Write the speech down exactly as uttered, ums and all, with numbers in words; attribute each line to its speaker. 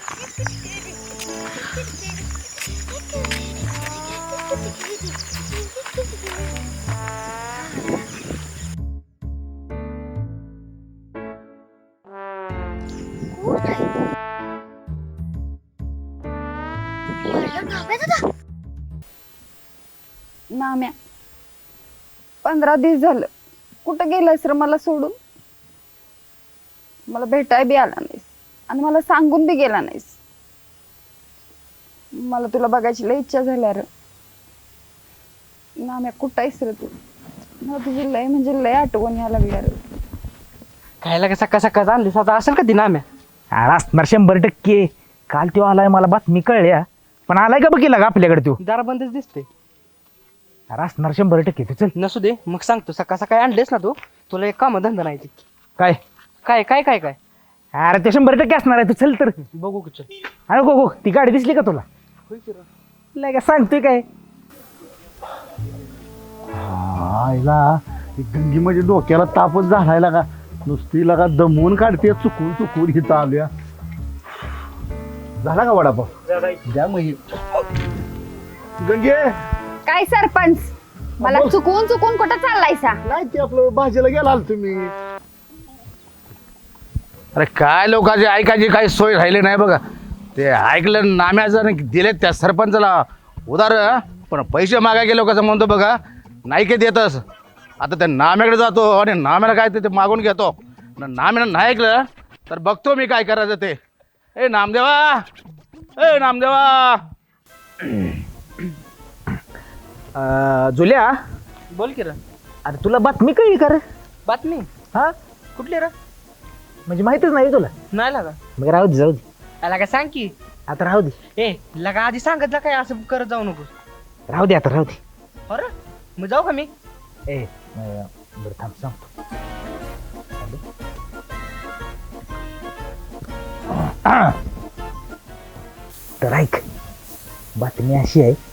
Speaker 1: नाम्या पंधरा दिवस झालं कुठं गेलायस रे मला सोडून. मला भेटाय बी आला नाहीस आणि मला सांगून बी गेला नाहीस. मला तुला बघायची लय इच्छा झाल्या रे. नाम्या कुठं आहेस रे तू. मला तुझी लय म्हणजे लय आठवण यायला लागल्या रे.
Speaker 2: खायला का सकाळ सकाळ आणली आता असेल का दिन आम्ही
Speaker 3: अरे असणार शंभर टक्के. काल तो आलाय मला बातमी कळल्या पण आलाय का बघितला का आपल्याकडे तो.
Speaker 2: दारा बंदच दिसते.
Speaker 3: अरे असणार शंभर टक्के तू चल.
Speaker 2: नसू दे मग सांगतो सकाळ सकाळी आणलेस ना तू तुला एक काम धंदा नाही ते.
Speaker 3: काय
Speaker 2: काय काय काय काय
Speaker 3: अरे ते शंभर टक्के असणार आहे तू चल तर.
Speaker 2: बघू की चल.
Speaker 3: अरे गो गो ती गाडी दिसली का तुला. लय का सांगतोय काय.
Speaker 4: आईला गंगी म्हणजे डोक्याला तापच झालाय का नुसती लगा दमवून काढते चुकून चुकून हिथं आल्या. झाला का वडापाव द्या मग गंगे.
Speaker 1: काय सरपंच मला चुकून चुकून कुठं चाललायसा.
Speaker 4: नाही ते आपलं भाजीला गेलाल तुम्ही.
Speaker 5: अरे काय लोकांची ऐकायची काही सोय राहिली नाही बघा. ते ऐकलं नाम्याचं दिले त्या सरपंचाला उदार पण पैसे मागा गेलो कसं म्हणतो बघा नाही की देतस. आता त्या नाम्याकडे जातो आणि नाम्याला काय ते मागून घेतो. नाम्यानं नाही ऐकलं तर बघतो मी काय करायचं ते. ए नामदेवा ए नामदेवा.
Speaker 3: जुल्या
Speaker 2: बोल की रे.
Speaker 3: अरे तुला बातमी कळली का रे.
Speaker 2: बातमी
Speaker 3: हा
Speaker 2: कुठली रे.
Speaker 3: म्हणजे माहितच नाही तुला.
Speaker 2: नाही लागा
Speaker 3: मग राहू दे जाऊ दे
Speaker 2: त्याला काय सांग की.
Speaker 3: आता राहू दे
Speaker 2: ए लगा आधी सांगितलं काय असं करत जाऊ नको.
Speaker 3: राहू दे आता राहू दे.
Speaker 2: अरे मग जाऊ का मी.
Speaker 3: ए अं, बरं थांब सांगतो. तर ऐक बातमी अशी आहे